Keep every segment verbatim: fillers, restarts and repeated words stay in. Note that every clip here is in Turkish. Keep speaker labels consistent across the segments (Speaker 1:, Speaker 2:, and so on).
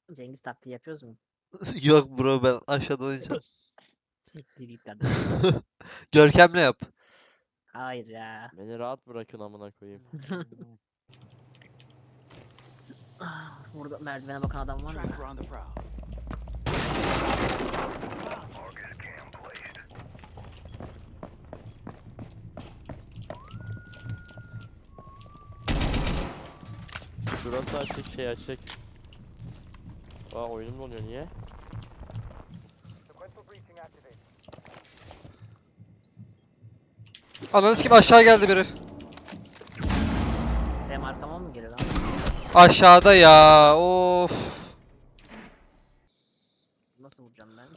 Speaker 1: Cengiz taktiği yapıyoruz mu?
Speaker 2: Yok bro, ben aşağıda oynayacağım.
Speaker 1: Siktir git kardeşim.
Speaker 2: Görkem'le yap.
Speaker 1: Hayır ya.
Speaker 3: Beni rahat bırakın amına koyayım.
Speaker 1: Ah, Burada merdivene bakan adam var mı?
Speaker 4: Tracker on the prowl.
Speaker 3: Şurası açık, şey açık. Aa, oyunum donuyor, niye?
Speaker 2: Ananız gibi aşağı geldi biri.
Speaker 1: Benim arkama mı geliyor lan?
Speaker 2: Aşağıda ya. Of.
Speaker 1: Nasıl vuracağım ben?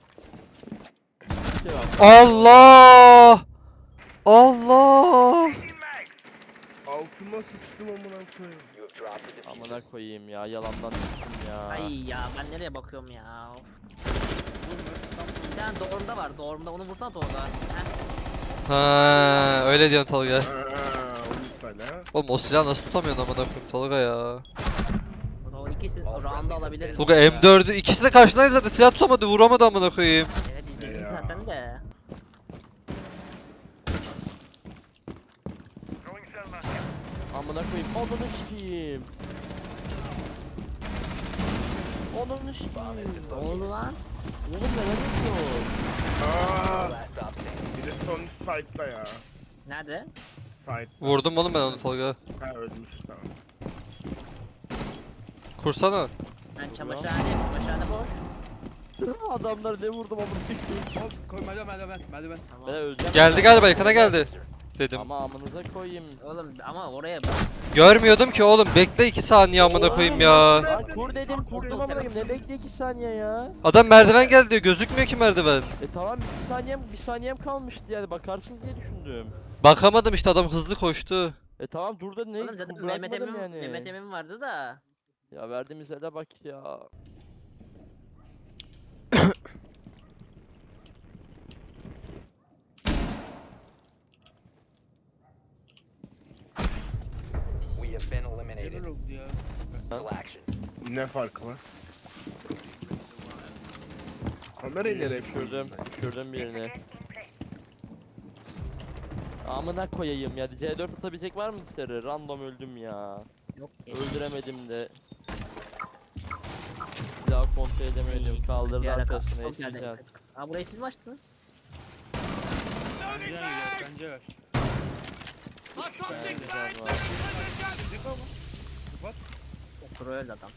Speaker 3: Şey var.
Speaker 2: Allah. Allah.
Speaker 5: Altıma sıçtım amına koyayım.
Speaker 3: Amına koyayım ya, yalandan düştüm ya.
Speaker 1: Ay ya ben nereye bakıyorum ya? Of. Bir tane doğrumda var. Doğrumda onu vursana doğruda. Heh.
Speaker 2: Ha, öyle diyorsun Tolga.
Speaker 5: Aaa on üç tane.
Speaker 2: Oğlum o silahı nasıl tutamıyorsun amına koyayım Tolga ya.
Speaker 1: O ikisi o round'u alabiliriz.
Speaker 2: Tolga M dördü ikisi de karşındaydı zaten, silah tutamadı, vuramadı amına koyayım.
Speaker 1: Evet izledim
Speaker 5: Ya.
Speaker 1: zaten de.
Speaker 3: Amına koyayım, onunu sikeyim. Onunu sikeyim.
Speaker 1: Ne oldu lan?
Speaker 3: Oğlum neler yapıyor?
Speaker 5: Aaa. Bir de son fight'ta ya.
Speaker 1: Nerede?
Speaker 5: Fight.
Speaker 2: Vurdum oğlum ben onu Tolga.
Speaker 5: Ha ölmüş tamam.
Speaker 2: Kursana.
Speaker 1: Ben çamaşırhane, çamaşırhane boş.
Speaker 3: Adamlar ne vurdum amına koyayım.
Speaker 6: Hop koy merdiven merdiven merdiven.
Speaker 1: Tamam.
Speaker 3: Ben öleceğim.
Speaker 2: Geldi galiba, yakına geldi. Dedim.
Speaker 3: Ama amınıza koyayım.
Speaker 1: Oğlum ama oraya bak.
Speaker 2: Görmüyordum ki oğlum, bekle iki saniye amına koyayım ya.
Speaker 3: Lan kur dedim, kurdum amına koyayım. Ne bekle iki saniye ya?
Speaker 2: Adam merdiven geldi diyor, gözükmüyor ki merdiven.
Speaker 3: E tamam, bir saniyem bir saniyem kalmıştı yani, bakarsınız diye düşündüm.
Speaker 2: Bakamadım işte, adam hızlı koştu.
Speaker 3: E tamam, dur da ne?
Speaker 1: Oğlum zaten
Speaker 3: Bırakmadım
Speaker 1: Mehmet Emin,
Speaker 3: yani.
Speaker 1: Mehmet Emin vardı da.
Speaker 3: Ya verdiğimiz ele bak ya.
Speaker 7: We have been eliminated.
Speaker 6: Neler oldu ya?
Speaker 7: Full action.
Speaker 5: Ne farkı var? Kamerayı nereye
Speaker 3: Düşürdüm, düşürdüm birini. Amına koyayım ya. C dört atabilecek var mı dışarı? Random öldüm ya.
Speaker 1: Yok ki.
Speaker 3: Öldüremedim de. Bir daha kontrol edemedim. Kaldırdı
Speaker 1: Bir ara
Speaker 3: arkasına,
Speaker 1: kalk-
Speaker 3: esireceğim.
Speaker 1: Aa burayı siz mi açtınız?
Speaker 6: Bence ver bence ver.
Speaker 3: Esireceğim var.
Speaker 6: Kapat.
Speaker 1: Okuru öldü adam.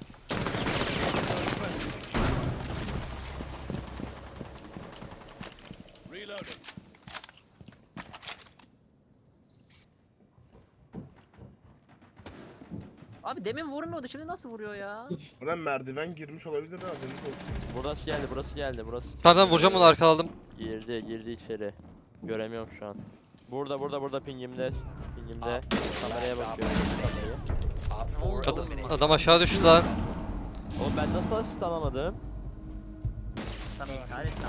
Speaker 1: Abi demin vurmuyordu, şimdi nasıl vuruyor ya?
Speaker 5: Buradan merdiven girmiş olabilir ha, haberiniz olsun.
Speaker 3: Burası geldi, burası geldi, burası.
Speaker 2: Tamam vuracağım onu, arkaladım.
Speaker 3: Girdi, girdi içeri. Göremiyorum şu an. Burada, burada, burada pingimde. Pingimde. Kameraya bakıyorum. Kamerayı.
Speaker 7: Op four
Speaker 2: Adam,
Speaker 7: eliminated.
Speaker 2: adam aşağı düştü lan.
Speaker 3: Oğlum ben nasıl asist alamadım?
Speaker 1: Tam iptal et lan.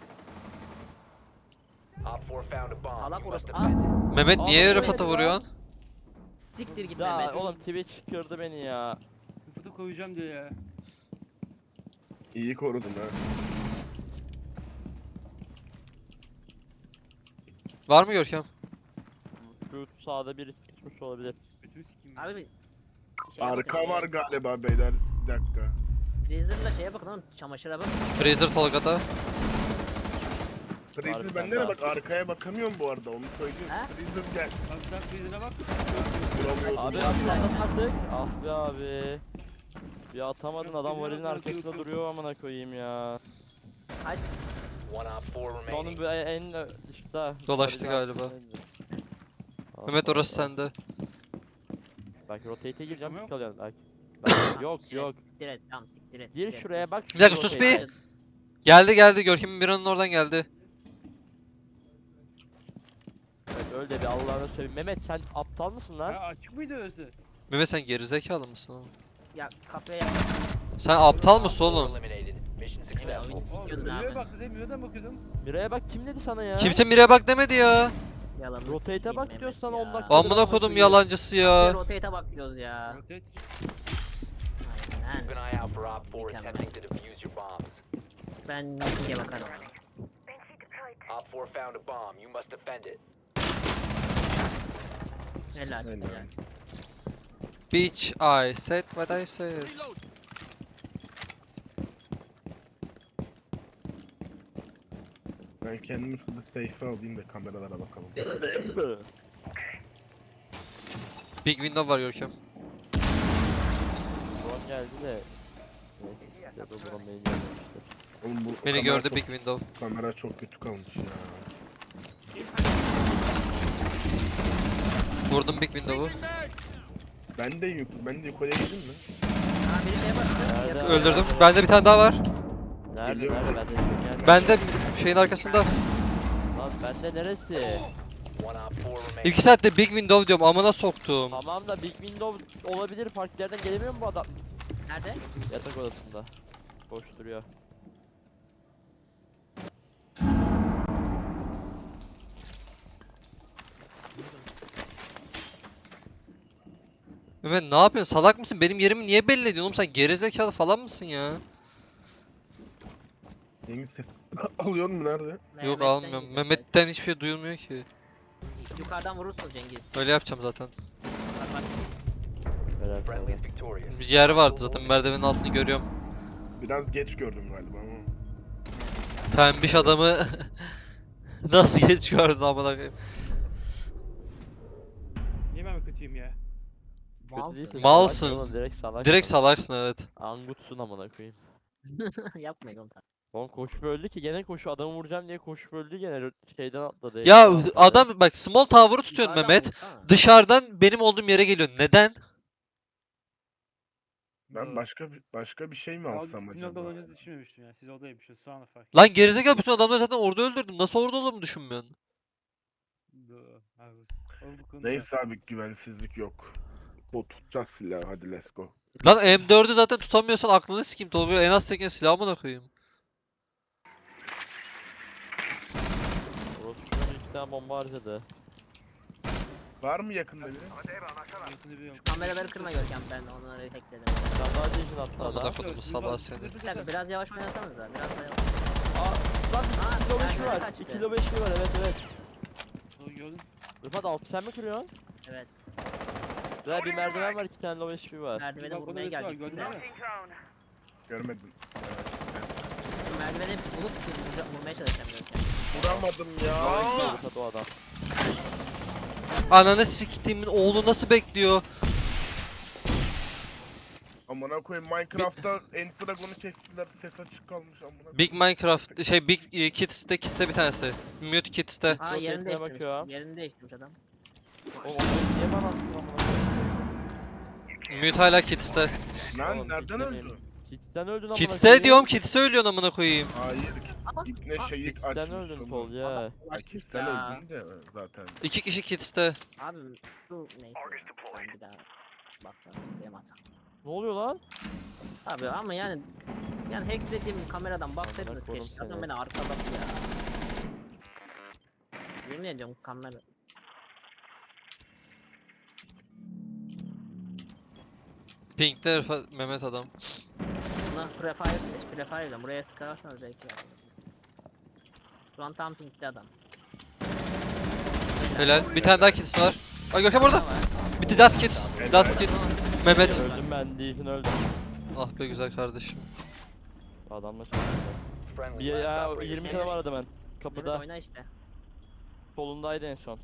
Speaker 7: Op four found a bomb.
Speaker 1: Salak
Speaker 7: You must
Speaker 1: orası.
Speaker 7: defend it.
Speaker 2: Mehmet
Speaker 3: Aa,
Speaker 2: niye
Speaker 3: bu
Speaker 2: Rıfat'a
Speaker 3: neydi lan?
Speaker 2: vuruyorsun?
Speaker 1: Siktir git
Speaker 3: Ya
Speaker 1: Mehmet.
Speaker 3: oğlum Twitch kırdı beni ya.
Speaker 6: Sıfırı koyacağım diyor ya.
Speaker 5: İyi korudun ha.
Speaker 2: Var mı Görkem?
Speaker 3: Şu sağda biri çıkmış olabilir.
Speaker 6: Bütün sikim.
Speaker 1: Abi bir şeye
Speaker 5: Arka
Speaker 1: bakın,
Speaker 5: var galiba beyler. Bir dakika.
Speaker 1: Freezer'la şeye bakın oğlum, çamaşıra bakın.
Speaker 2: Fraser Tolga'da.
Speaker 5: Freezer
Speaker 3: Arkadan
Speaker 5: ben nereye
Speaker 3: da.
Speaker 5: bak, arkaya bakamıyorum bu arada, onu söyleyeyim.
Speaker 1: Ha?
Speaker 5: Freezer gel.
Speaker 6: Bak sen freezer'e bak.
Speaker 5: Vuramıyordum.
Speaker 3: Abi atladın artık. Ah be abi. Ya atamadın, adam varilin arkasında duruyor amına koyayım ya.
Speaker 7: One op four
Speaker 3: Onun
Speaker 7: remaining.
Speaker 3: bir en ö- dışta.
Speaker 2: Dolaştı
Speaker 3: varilin
Speaker 2: galiba.
Speaker 3: arkasındaydı. Ah,
Speaker 2: Mehmet orası
Speaker 3: Allah.
Speaker 2: sende.
Speaker 3: Bak rotate'e gireceğim,
Speaker 6: Tamam.
Speaker 3: pik alıyorum. Bak. Bak, yok
Speaker 1: Siktir et,
Speaker 3: yok.
Speaker 1: Siktir et, tamam siktir et.
Speaker 3: Gir
Speaker 1: siktir et.
Speaker 3: şuraya bak.
Speaker 2: Bir dakika, sus
Speaker 3: rotate'e.
Speaker 2: bir. Geldi geldi, Görkem'in bir anın oradan geldi.
Speaker 3: Evet, öyle de bir Allah'ını seveyim. Mehmet sen aptal mısın lan?
Speaker 6: Ya açık mıydı orası?
Speaker 2: Mehmet sen gerizekalı mısın oğlum?
Speaker 1: Ya kafaya yap.
Speaker 2: Sen aptal mısın
Speaker 7: Op four
Speaker 2: oğlum?
Speaker 7: eliminated. Mission
Speaker 1: Evet
Speaker 7: successful.
Speaker 1: oyunu
Speaker 6: Oğlum
Speaker 1: sikiyordun
Speaker 6: Mira'ya
Speaker 1: abi.
Speaker 6: baktı değil mi? Mira'dan bakıyordum.
Speaker 3: Miray'a bak, kim dedi sana ya?
Speaker 2: Kimse Mire'ye bak demedi ya.
Speaker 1: Yalanını
Speaker 3: Rotate'e
Speaker 1: sikeyim
Speaker 3: bak
Speaker 1: Mehmet
Speaker 3: diyor sana,
Speaker 1: ya.
Speaker 3: on dakika.
Speaker 2: Amına kodum yalancısı
Speaker 1: Bir
Speaker 2: ya.
Speaker 1: Rotate'e bak diyoruz ya.
Speaker 6: Rotate.
Speaker 1: Aynen
Speaker 7: Keep an eye out for Op four
Speaker 1: Mükemmel.
Speaker 7: attempting to defuse your bombs.
Speaker 1: Ben Mickey'e bakarım.
Speaker 7: Op four found a bomb. You must defend it.
Speaker 1: Helal. Helal.
Speaker 2: Bitch, I said what I said.
Speaker 5: Ben kendimi şurada safe'e alayım da kameralara bakalım.
Speaker 2: Big window var Görkem.
Speaker 3: Drone geldi de. Neyse size de drone beni gelmemiştir.
Speaker 5: Oğlum bu
Speaker 2: Beni
Speaker 5: kamera
Speaker 2: gördü
Speaker 5: çok-
Speaker 2: Big window.
Speaker 5: Kamera çok kötü kalmış ya.
Speaker 2: Vurdum Big window'u.
Speaker 5: Ben de yuk ben de yukarıya gideyim mi?
Speaker 1: Ha biri şeye bastı.
Speaker 3: Nerede?
Speaker 1: Yakın.
Speaker 2: Öldürdüm. Bende bir tane daha var.
Speaker 3: Nerede
Speaker 5: Geliyor.
Speaker 3: nerede bende gelmedi.
Speaker 2: Bende şeyin arkasında.
Speaker 3: Lan bende neresi?
Speaker 7: One Op four remaining.
Speaker 2: İki saatte Big window diyorum. Amına soktum.
Speaker 3: Tamam da Big Window olabilir. Farklı yerden gelemiyor mu bu adam?
Speaker 1: Nerede?
Speaker 3: Yatak odasında. Boş duruyor.
Speaker 2: Mehmet ne yapıyorsun? Salak mısın? Benim yerimi niye belli ediyorsun oğlum? Sen gerizekalı falan mısın ya?
Speaker 5: Cengiz ses alıyor mu nerede?
Speaker 2: Yok
Speaker 1: Mehmet'ten
Speaker 2: almıyorum.
Speaker 1: geliyor
Speaker 2: Mehmet'ten hiçbir şey duyulmuyor ki.
Speaker 1: ses. Yukarıdan vurursun Cengiz.
Speaker 2: Öyle yapacağım zaten.
Speaker 1: Bak bak.
Speaker 3: Merak
Speaker 7: Friendly
Speaker 3: etme.
Speaker 7: is victorious.
Speaker 2: Bir yer vardı zaten, merdivenin altını görüyorum.
Speaker 5: Biraz geç gördüm galiba ama.
Speaker 2: Pembiş adamı nasıl geç gördün amına koyayım.
Speaker 6: Niye ben mi kötüyüm ya?
Speaker 3: Kötü değilsin,
Speaker 2: Malsın.
Speaker 3: salak oğlum, direkt salak.
Speaker 2: Direkt salaksın evet.
Speaker 3: Angutsun amına koyayım.
Speaker 1: Yapmayın oğlum.
Speaker 3: Oğlum koşup öldü ki gene koşu adamı vuracağım diye koşup öldü gene şeyden atladı.
Speaker 2: Ya
Speaker 3: eğimden atladı.
Speaker 2: adam bak small tower'ı tutuyorsun
Speaker 1: Yukarıdan
Speaker 2: Mehmet.
Speaker 1: vursana.
Speaker 2: Dışarıdan benim olduğum yere geliyorsun. Neden?
Speaker 5: Ben başka bir başka bir şey mi alsam
Speaker 6: Sizin
Speaker 5: acaba?
Speaker 6: orada olacağınızı düşünmemiştim ya. Siz oradaymışsınız. Sonra fark
Speaker 2: Lan gerizekalı, bütün adamları zaten orada öldürdüm. Nasıl orada olduğumu düşünmüyorsun?
Speaker 6: Doğru, haklısın. Oğlum bu konuda-
Speaker 5: Neyse abi güvensizlik yok. O tutacağız silahı hadi let's go.
Speaker 2: Lan M dördü zaten tutamıyorsan aklını sikeyim. Tolga en az sekiz silahımı koyayım.
Speaker 3: Orospu'nun iki tane bomba harcadı.
Speaker 5: Var mı yakında biri?
Speaker 6: Yakını biliyorum.
Speaker 1: Kameraları kırma Görkem, ben onları hackledim.
Speaker 3: Sen daha değişin attı
Speaker 2: Amına
Speaker 3: adam.
Speaker 2: kodumu salağı seni.
Speaker 1: Bir dakika biraz yavaş oynasanız da biraz daha yavaş.
Speaker 3: Aa, lan
Speaker 1: Aa,
Speaker 3: iki kilo beş mi
Speaker 1: merdivene
Speaker 3: var?
Speaker 1: kaçtı.
Speaker 3: iki kilo beş mi var? Evet evet.
Speaker 6: Doğru gördün.
Speaker 3: Rıfat altı sen mi kırıyorsun?
Speaker 1: Evet.
Speaker 3: Ve bir merdiven var, iki tane low H P var.
Speaker 1: Merdivene
Speaker 6: Bak,
Speaker 1: vurmaya
Speaker 6: orada birisi var,
Speaker 1: gelecek.
Speaker 6: gördün mü?
Speaker 5: Görmedim.
Speaker 1: Merdiveni bulup vurca- vurmaya çalışacağım Görkem.
Speaker 5: Vuramadım ya.
Speaker 3: Low H P Rıfat o adam.
Speaker 2: Ananı siktiğimin oğlu nasıl bekliyor?
Speaker 5: Amına koyayım Minecraft'ta End Dragon'u kestiler ses açık kalmış amına.
Speaker 2: Big Minecraft şey Big e, Kids'te Kids'te bir tanesi. Mute Kids'te.
Speaker 1: Aa
Speaker 3: Rotate'e
Speaker 1: yerini değiştirmiş.
Speaker 3: bakıyorum.
Speaker 1: Yerini değiştirmiş adam.
Speaker 3: Oğlum onu niye bana attın amına koyayım?
Speaker 2: Mute hala Kids'te.
Speaker 5: Lan
Speaker 3: Oğlum,
Speaker 5: nereden
Speaker 3: kitlemeyeyim.
Speaker 5: öldü?
Speaker 3: Kids'ten öldün amına
Speaker 2: Kids'te diyorum, Kids'te ölüyorsun amına koyayım.
Speaker 5: Hayır.
Speaker 1: Aa,
Speaker 5: İpne şeylik
Speaker 3: Kids'ten
Speaker 5: açmış.
Speaker 3: öldün
Speaker 5: onu.
Speaker 3: Tol ya.
Speaker 5: Ay
Speaker 1: Ulaşmış
Speaker 5: Kids'ten
Speaker 1: ya.
Speaker 5: öldün de zaten.
Speaker 2: İki kişi Kids'te.
Speaker 1: Abi şu neyse. Ben bir daha bak benim hatam.
Speaker 3: Ne oluyor lan?
Speaker 1: Abi ama yani yani hacklediğim kameradan baksaydınız
Speaker 3: koydum
Speaker 1: keşke. Adam
Speaker 3: seni.
Speaker 1: beni arkaladı ya. Yemin ediyorum kamera.
Speaker 2: Pink'te Rıfat- Mehmet adam.
Speaker 1: Buna prefire prefire buraya sıkarsanız belki ya. Şu an tam pinkli adam.
Speaker 2: Helal. Bir tane daha Kids var. Ay Görkem orada. Bir de Last Kids. Last Kids. Mehmet.
Speaker 3: Öldüm ben değilsin öldüm.
Speaker 2: Ah be güzel kardeşim.
Speaker 3: Adamla çalışıyor.
Speaker 7: Friendly
Speaker 3: Bir
Speaker 7: last
Speaker 3: ya
Speaker 7: operator
Speaker 3: yirmi tane
Speaker 7: standing.
Speaker 3: var adamın.
Speaker 1: Evet,
Speaker 3: Kapıda.
Speaker 1: oyna işte.
Speaker 3: Solundaydı en son.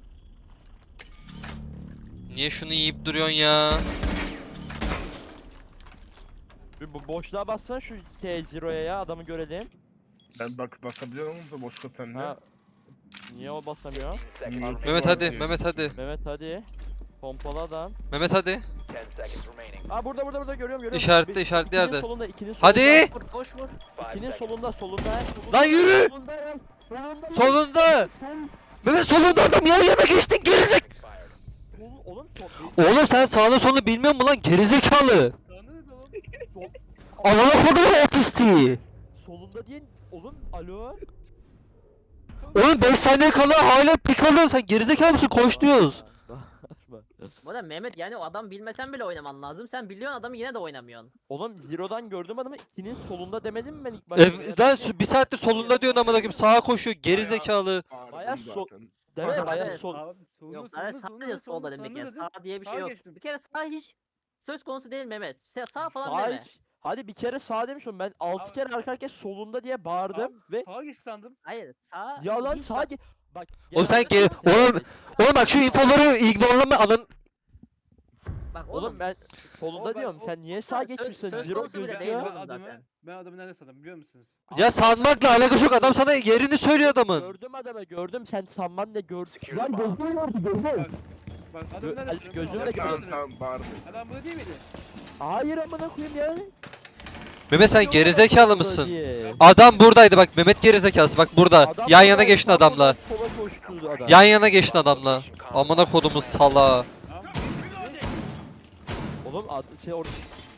Speaker 2: Niye şunu yiyip duruyorsun ya?
Speaker 3: Bir bu boşluğa bassana şu T zero'ya ya adamı görelim.
Speaker 5: Ben bak basabiliyorum da boşta sende.
Speaker 3: Ha. Niye o basamıyor?
Speaker 7: Seconds
Speaker 5: Mute
Speaker 2: Mehmet
Speaker 5: var
Speaker 2: hadi.
Speaker 5: diyor.
Speaker 2: Mehmet hadi.
Speaker 3: Mehmet hadi. Pompalı adam.
Speaker 2: Mehmet hadi.
Speaker 7: ten seconds remaining.
Speaker 3: Aa burada burada burada görüyorum görüyorum.
Speaker 2: İşaretle,
Speaker 3: Bir-
Speaker 2: işaretli
Speaker 3: ikinin
Speaker 2: yerde.
Speaker 3: solunda ikinin solunda.
Speaker 2: Hadi.
Speaker 1: Vur koş vur.
Speaker 7: Five
Speaker 3: İkinin
Speaker 7: seconds.
Speaker 3: solunda solunda. solunda
Speaker 2: Lan yürü!
Speaker 3: Solunda. Solunda.
Speaker 2: Solunda. Mehmet solunda adam, yan yana geçtin gerizek.
Speaker 7: Expired.
Speaker 3: Oğlum, oğlum sol.
Speaker 2: Oğlum sen sağını solunu bilmiyor musun lan gerizekalı?
Speaker 6: Tanrı da oğlum.
Speaker 3: sol
Speaker 2: Anana kodumun otistiği.
Speaker 3: solunda diye oğlum alo.
Speaker 2: Oğlum beş saniye kala hala pik alıyorsun, sen gerizekalı mısın? Koş diyoruz.
Speaker 3: Bağırma.
Speaker 1: Bu arada Mehmet yani o adam bilmesen bile oynaman lazım. Sen biliyorsun adamı yine de oynamıyorsun.
Speaker 3: Oğlum Zero'dan gördüm adamı ikinin solunda demedim mi ben ilk başta?
Speaker 2: Ev, daha su- bir saattir solunda diyorsun amına koyayım. Sağa koşuyor geri zekalı.
Speaker 3: Bayağı so-
Speaker 5: Zaten.
Speaker 3: Deme bayağı
Speaker 1: Evet.
Speaker 3: sol.
Speaker 6: Abi solunda
Speaker 1: Yok
Speaker 6: solunda
Speaker 1: sadece sağ
Speaker 6: solunda
Speaker 1: ya solda
Speaker 6: solunda
Speaker 1: demek ya.
Speaker 6: solunda
Speaker 1: Sağ diye bir
Speaker 6: Sağa
Speaker 1: şey yok.
Speaker 6: geçtim.
Speaker 1: Bir kere sağ hiç söz konusu değil Mehmet. Sa- Sağ falan
Speaker 3: Sağ
Speaker 1: deme.
Speaker 3: hiç- Hadi bir kere sağ demiş oğlum ben altı
Speaker 6: Abi-
Speaker 3: kere arka arkaya solunda diye bağırdım
Speaker 6: Abi,
Speaker 3: ve
Speaker 6: Sağa geç sandım.
Speaker 1: Hayır sağ
Speaker 3: yalan
Speaker 1: hiç
Speaker 3: sağa
Speaker 1: bak-
Speaker 3: ge- Bak.
Speaker 2: Oğlum sen
Speaker 3: genelde-
Speaker 2: ge- oğlum oğlum bak şu infoları ignorlama alın.
Speaker 1: Bak
Speaker 3: Oğlum
Speaker 1: oğlum.
Speaker 3: ben solunda
Speaker 6: Oğlum ben-
Speaker 3: diyorum
Speaker 6: o-
Speaker 3: sen niye
Speaker 1: Söz-
Speaker 3: sağa geçmişsin?
Speaker 1: söz
Speaker 3: Zero
Speaker 1: konusu bile değil
Speaker 3: gözüküyor.
Speaker 6: Ben
Speaker 1: oğlum
Speaker 6: adamı,
Speaker 1: zaten.
Speaker 6: ben adamı nerede sandım biliyor musunuz?
Speaker 2: Ya sanmakla alakası yok. Adam sana yerini söylüyor adamın.
Speaker 3: Gördüm adamı gördüm sen sanman ne gördün?
Speaker 7: Secure
Speaker 3: Lan
Speaker 7: the bomb.
Speaker 3: gözüm vardı gözüm.
Speaker 6: Bak
Speaker 3: Gö-
Speaker 6: adamı nerede
Speaker 3: Ali,
Speaker 6: sandım?
Speaker 3: gözümle
Speaker 6: Adamı
Speaker 3: gördüm.
Speaker 6: nerede
Speaker 5: Tamam
Speaker 6: sandım?
Speaker 5: tamam bağırma.
Speaker 6: Adam burada değil miydi?
Speaker 3: Hayır amına koyayım ya.
Speaker 2: Mehmet sen gerizekalı mısın?
Speaker 3: Diye.
Speaker 2: Adam buradaydı bak Mehmet gerizekalısı bak burada.
Speaker 3: Adam
Speaker 2: Yan yana
Speaker 3: burada,
Speaker 2: geçtin
Speaker 3: tam
Speaker 2: adamla.
Speaker 3: oradan sola koştu adam.
Speaker 2: Yan yana geçtin adamla. Amına kodumuz sala.
Speaker 6: Tamam.
Speaker 3: Oğlum ad, şey orada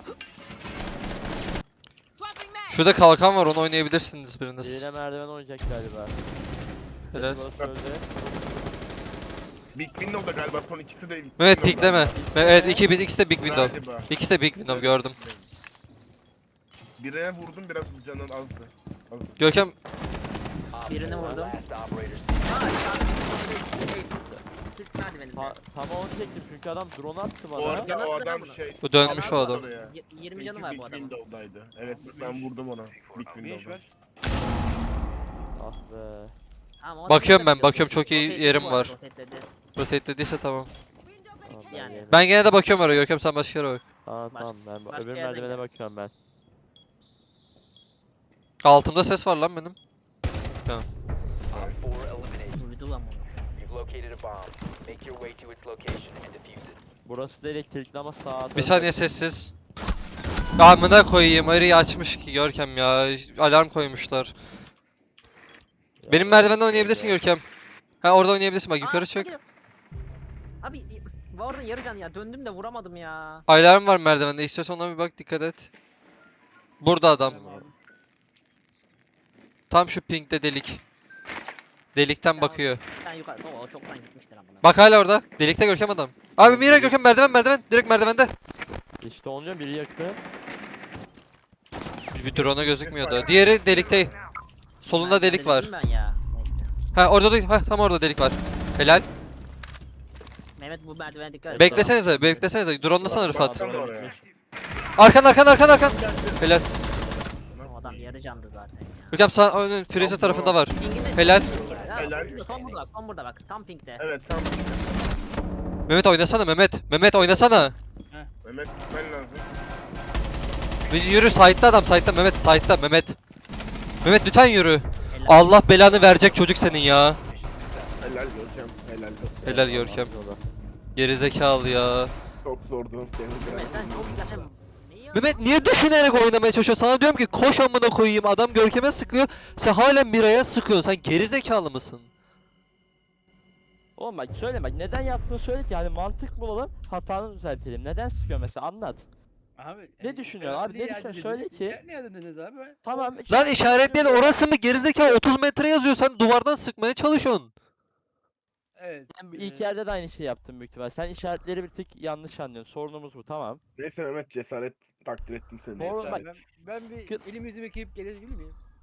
Speaker 2: Şurada kalkan var onu oynayabilirsiniz biriniz.
Speaker 3: birine merdiven oynayacak galiba.
Speaker 2: Helal.
Speaker 3: Bana söyledi.
Speaker 5: Big Window'da galiba son ikisi de Big
Speaker 2: Mehmet
Speaker 5: Window'da.
Speaker 2: pikleme. Evet iki, bir- ikisi de Big Window.
Speaker 5: Galiba.
Speaker 2: İkisi de Big Window gördüm.
Speaker 5: Birine vurdum biraz canın azdı. azdı.
Speaker 2: Görkem
Speaker 7: Op
Speaker 1: Birini
Speaker 7: four,
Speaker 1: vurdum.
Speaker 7: last operator
Speaker 1: Ha, sağ- şey, Türk merdiveninde.
Speaker 3: Ta tam onu çektim çünkü adam drone attı
Speaker 5: O
Speaker 3: bana.
Speaker 5: arada
Speaker 1: Canı
Speaker 5: o
Speaker 1: attı
Speaker 5: adam
Speaker 1: lan bunu.
Speaker 5: şey.
Speaker 2: bu dönmüş o
Speaker 5: Atladı
Speaker 2: adam.
Speaker 5: oraya.
Speaker 1: Y- yirmi
Speaker 5: Çünkü
Speaker 1: canı var
Speaker 5: Big
Speaker 1: bu adamın.
Speaker 5: Window'daydı. Evet ben vurdum ona. Big
Speaker 6: Bir iş
Speaker 5: Window'da.
Speaker 6: var.
Speaker 3: Ah be.
Speaker 1: Tamam, o
Speaker 2: Bakıyorum
Speaker 1: adam
Speaker 2: ben, bakıyorum, çok iyi
Speaker 1: rotate'ledi
Speaker 2: yerim
Speaker 1: bu arada,
Speaker 2: var.
Speaker 1: rotate'ledi.
Speaker 2: Rotate dediyse tamam.
Speaker 3: Tamam,
Speaker 1: Yani.
Speaker 3: yerim.
Speaker 2: Ben gene de bakıyorum oraya Görkem sen başka yere bak.
Speaker 3: Tamam
Speaker 1: Baş-
Speaker 3: tamam ben
Speaker 1: başka
Speaker 3: öbür
Speaker 1: yerden
Speaker 3: merdivene
Speaker 1: gel.
Speaker 3: bakıyorum ben.
Speaker 2: Altımda ses var lan benim.
Speaker 7: Op four eliminated.
Speaker 1: Duydu lan bunu.
Speaker 7: You've located a bomb. Make your way to its location and defuse it.
Speaker 3: Burası da elektrikli ama sağ
Speaker 2: Bir saniye sessiz. Amına koyayım arıyı açmış ki Görkem ya. Alarm koymuşlar. Benim merdivenden oynayabilirsin Görkem. Ha orada oynayabilirsin bak yukarı
Speaker 1: Aa,
Speaker 2: çık.
Speaker 1: geliyor. Abi y- bu arada yarı can ya döndüm de vuramadım ya.
Speaker 2: Alarm var merdivende istiyorsan ona bir bak dikkat et. Burada adam. Tam şu pinkte delik. Delikten bakıyor.
Speaker 1: Sen yukarı o, o çoktan gitmiştir amına.
Speaker 2: Bak hala orada. Delikte Görkem adam. Abi Mira Görkem merdiven merdiven. Direkt merdivende.
Speaker 3: İşte onu diyorum biri yaktı.
Speaker 2: Bir, bir drone'a gözükmüyordu. Diğeri delikte. Solunda
Speaker 1: Ben-
Speaker 2: delik var.
Speaker 1: dedim Ben ya. Neyse.
Speaker 2: Ha orada değil. Ha tam orada delik var. Helal.
Speaker 1: Mehmet bu merdivene dikkat et.
Speaker 2: Beklesenize, beklesenize. Drone'lasana Rıfat.
Speaker 5: Baksana oraya.
Speaker 2: Arkan arkan arkan arkan. Helal.
Speaker 1: O adam yarı candı zaten ya.
Speaker 2: Görkem sağ önün freezer tarafında var.
Speaker 1: Ping'inde-
Speaker 2: Helal.
Speaker 1: Ha,
Speaker 5: Helal.
Speaker 1: burada, son burada bak, son burada bak. Tam pinkte.
Speaker 5: Evet tam.
Speaker 2: Mehmet oynasana Mehmet. Mehmet oynasana.
Speaker 5: Mehmet gitmen lazım.
Speaker 2: Bir yürü side'da adam side'da Mehmet side'da Mehmet. Mehmet lütfen yürü.
Speaker 1: Helal.
Speaker 2: Allah belanı verecek çocuk senin ya.
Speaker 5: Helal Görkem. Helal.
Speaker 2: Helal Görkem. Gerizekalı ya.
Speaker 5: Çok zordu.
Speaker 1: Mehmet sen çok yani neyi
Speaker 2: Mehmet niye düşünerek oynamaya çalışıyorsun? Sana diyorum ki koş amına koyayım. Adam Görkem'e sıkıyor. Sen hala Mira'ya sıkıyorsun. Sen gerizekalı mısın?
Speaker 3: Oğlum bak söyle bak neden yaptığını söyle ki yani mantık bulalım hatanı düzeltelim. Neden sıkıyor mesela anlat.
Speaker 6: Abi,
Speaker 3: Ne düşünüyorsun abi, ne düşünüyorsun? Söyle ki.
Speaker 6: Ne dediniz abi?
Speaker 3: Tamam.
Speaker 2: Lan işaretleyen orası mı gerizekalı otuz metre yazıyor. Sen duvardan sıkmaya çalışıyorsun.
Speaker 6: Evet.
Speaker 3: Ben bu ilk
Speaker 6: e,
Speaker 3: yerde de aynı şey yaptım büyük ihtimal. Sen işaretleri bir tık yanlış anlıyorsun. Sorunumuz bu tamam.
Speaker 5: Neyse Mehmet cesaret takdir ettim seni.
Speaker 3: Oğlum
Speaker 6: neyse
Speaker 3: bak-
Speaker 6: abi, ben, ben bir
Speaker 3: Kı-
Speaker 6: elimi yüzümü yıkayıp gelebilir miyim?